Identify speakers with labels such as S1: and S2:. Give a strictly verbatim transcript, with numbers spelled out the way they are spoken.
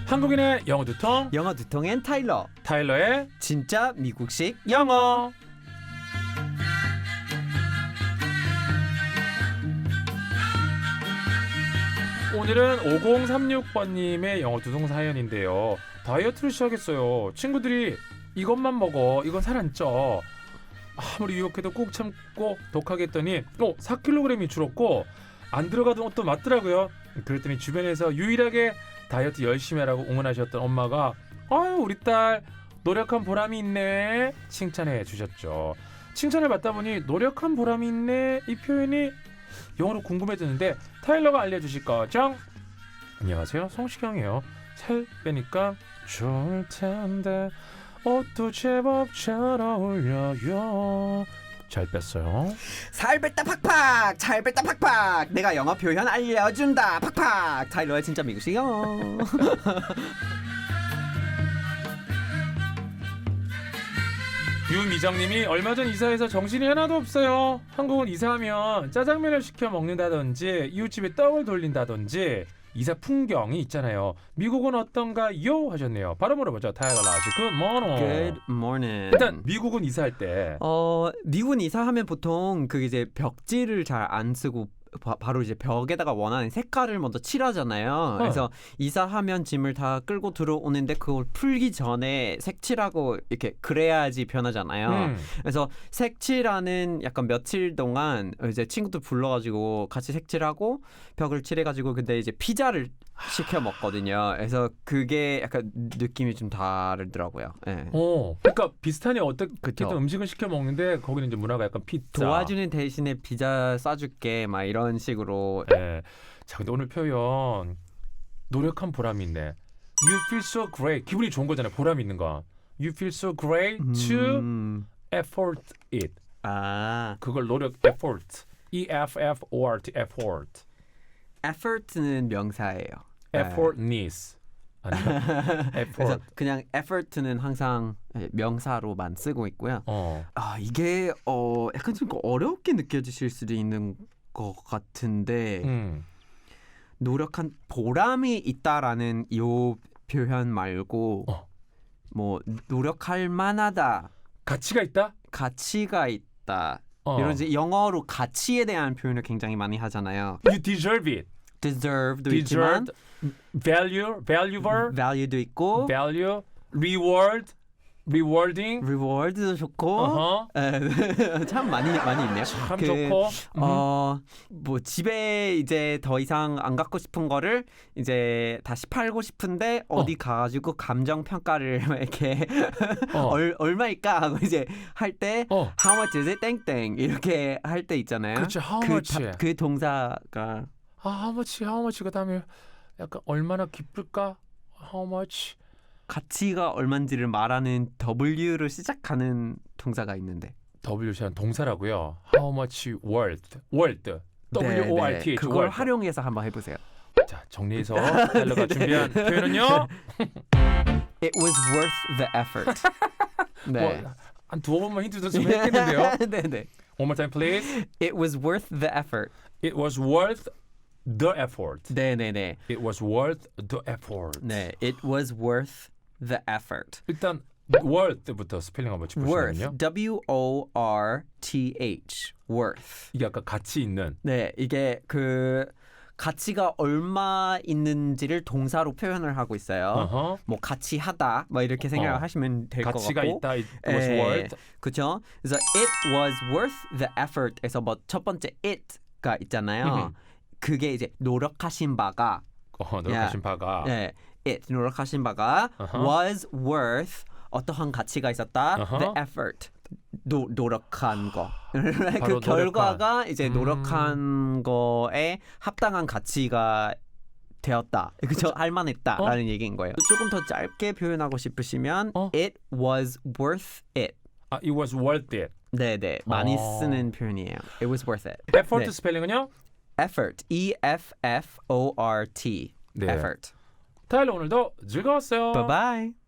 S1: 한국인의 영어 두통,
S2: 영어 두통엔 타일러.
S1: 타일러의
S2: 진짜 미국식
S1: 영어. 오늘은 오공삼육 번님의 영어 두통 사연인데요. 다이어트를 시작했어요. 친구들이 이것만 먹어, 이건 살 안 쪄. 아무리 유혹해도 꾹 참고 독하게 했더니 어, 사 킬로그램이 줄었고 안 들어가던 것도 맞더라고요. 그랬더니 주변에서 유일하게 다이어트 열심히 하라고 응원하셨던 엄마가 아유 우리 딸 노력한 보람이 있네 칭찬해 주셨죠. 칭찬을 받다 보니 노력한 보람이 있네 이 표현이 영어로 궁금해졌는데 타일러가 알려주실 거죠? 안녕하세요, 성시경이에요. 살 빼니까 좋을 텐데 옷도 제법 잘 어울려요. 잘 뺐어요.
S2: 살 뺐다 팍팍, 잘 뺐다 팍팍. 내가 영어 표현 알려준다 팍팍. 타일러의 진짜 미국식 영어.
S1: 유미정님이 얼마 전 이사해서 정신이 하나도 없어요. 한국은 이사하면 짜장면을 시켜 먹는다든지 이웃집에 떡을 돌린다든지 이사 풍경이 있잖아요. 미국은 어떤가요? 하셨네요. 바로 물어보죠. 타일러 라시 Good morning.
S2: Good morning.
S1: 일단 미국은 이사할 때
S2: 어 미국은 이사하면 보통 그 이제 벽지를 잘 안 쓰고 바, 바로 이제 벽에다가 원하는 색깔을 먼저 칠하잖아요.
S1: 어.
S2: 그래서 이사하면 짐을 다 끌고 들어오는데 그걸 풀기 전에 색칠하고 이렇게 그래야지 변하잖아요.
S1: 음.
S2: 그래서 색칠하는 약간 며칠 동안 이제 친구들 불러가지고 같이 색칠하고 벽을 칠해가지고 근데 이제 피자를 시켜 먹거든요. 그래서 그게 약간 느낌이 좀 다르더라고요. 네.
S1: 어, 그러니까 비슷하네. 어떻게든
S2: 그쵸.
S1: 음식을 시켜 먹는데 거기는 이제 문화가 약간 피자.
S2: 도와주는 대신에 피자 싸줄게 막 이런 식으로.
S1: 네. 자, 근데 오늘 표현 노력한 보람이 있네. You feel so great. 기분이 좋은 거잖아요. 보람 있는 거. You feel so great to
S2: 음.
S1: effort it.
S2: 아,
S1: 그걸 노력 effort. E F F O R T effort.
S2: effort는 명사예요.
S1: effortness. 아니요.
S2: 그래서
S1: effort.
S2: 그냥 effort는 항상 명사로만 쓰고 있고요.
S1: 어.
S2: 아 이게 어 약간 좀 어렵게 느껴지실 수도 있는 것 같은데
S1: 음.
S2: 노력한 보람이 있다라는 이 표현 말고
S1: 어.
S2: 뭐 노력할 만하다,
S1: 가치가 있다?
S2: 가치가 있다.
S1: 어.
S2: 이런 이제 영어로 가치에 대한 표현을 굉장히 많이 하잖아요.
S1: You deserve it.
S2: deserve도 있지만
S1: Deserved. value, valuable,
S2: value도 있고
S1: value, reward, rewarding.
S2: reward도 좋고
S1: 어허.
S2: 에, 참 많이 많이 있네요.
S1: 참
S2: 그,
S1: 좋고.
S2: 어, 뭐 집에 이제 더 이상 안 갖고 싶은 거를 이제 다시 팔고 싶은데 어디 가가지고 감정 평가를 이렇게
S1: 어.
S2: 얼, 얼마일까 하고 이제 할 때
S1: 어.
S2: how much is it 땡땡 이렇게 할 때 있잖아요.
S1: 그렇죠. How
S2: 그,
S1: much?
S2: 다, 그 동사가
S1: 아, how much, how much 그다음에 약간 얼마나 기쁠까? How much?
S2: 가치가 얼마인지를 말하는 W로 시작하는 동사가 있는데
S1: W시한 동사라고요. How much worth? worth. W O R T H.
S2: 그걸
S1: worth.
S2: 활용해서 한번 해보세요.
S1: 자, 정리해서 타일러가 준비한 표현은요.
S2: It was worth the effort. 네.
S1: 뭐, 한 두어 번만 힌트 줬으면 했겠는데요.
S2: 네네.
S1: One more time, please.
S2: It was worth the effort.
S1: It was worth the effort.
S2: 네네네.
S1: It was worth the effort.
S2: 네. It was worth the effort.
S1: 일단 worth부터 스펠링 한번
S2: worth.
S1: 짚어주면요.
S2: W O R T H. worth.
S1: 이게 아까 가치 있는.
S2: 네. 이게 그 가치가 얼마 있는지를 동사로 표현을 하고 있어요.
S1: Uh-huh.
S2: 뭐 가치하다 뭐 이렇게 생각을
S1: 어.
S2: 하시면 될 것 같고.
S1: 가치가 있다. It was
S2: 예,
S1: worth.
S2: 그렇죠. 그래서 it was worth the effort에서 뭐 첫 번째 it가 있잖아요.
S1: 음.
S2: 그게 이제 노력하신 바가
S1: 어, 노력하신 바가.
S2: 네, it 노력하신 바가
S1: Uh-huh.
S2: was worth 어떠한 가치가 있었다.
S1: Uh-huh.
S2: the effort 노, 노력한 거.
S1: 바로
S2: 그 결과가
S1: 노력한.
S2: 이제
S1: 음.
S2: 노력한 거에 합당한 가치가 되었다. 그죠? 할만했다라는
S1: 어?
S2: 얘기인 거예요. 조금 더 짧게 표현하고 싶으시면
S1: 어?
S2: it was worth it.
S1: 아, it was worth it.
S2: 네네 많이
S1: 어.
S2: 쓰는 표현이에요. It was worth it.
S1: effort
S2: 네.
S1: 스펠링은요?
S2: effort. E F F O R T.
S1: 네.
S2: effort.
S1: 타일러 오늘도 즐거웠어요.
S2: Bye bye.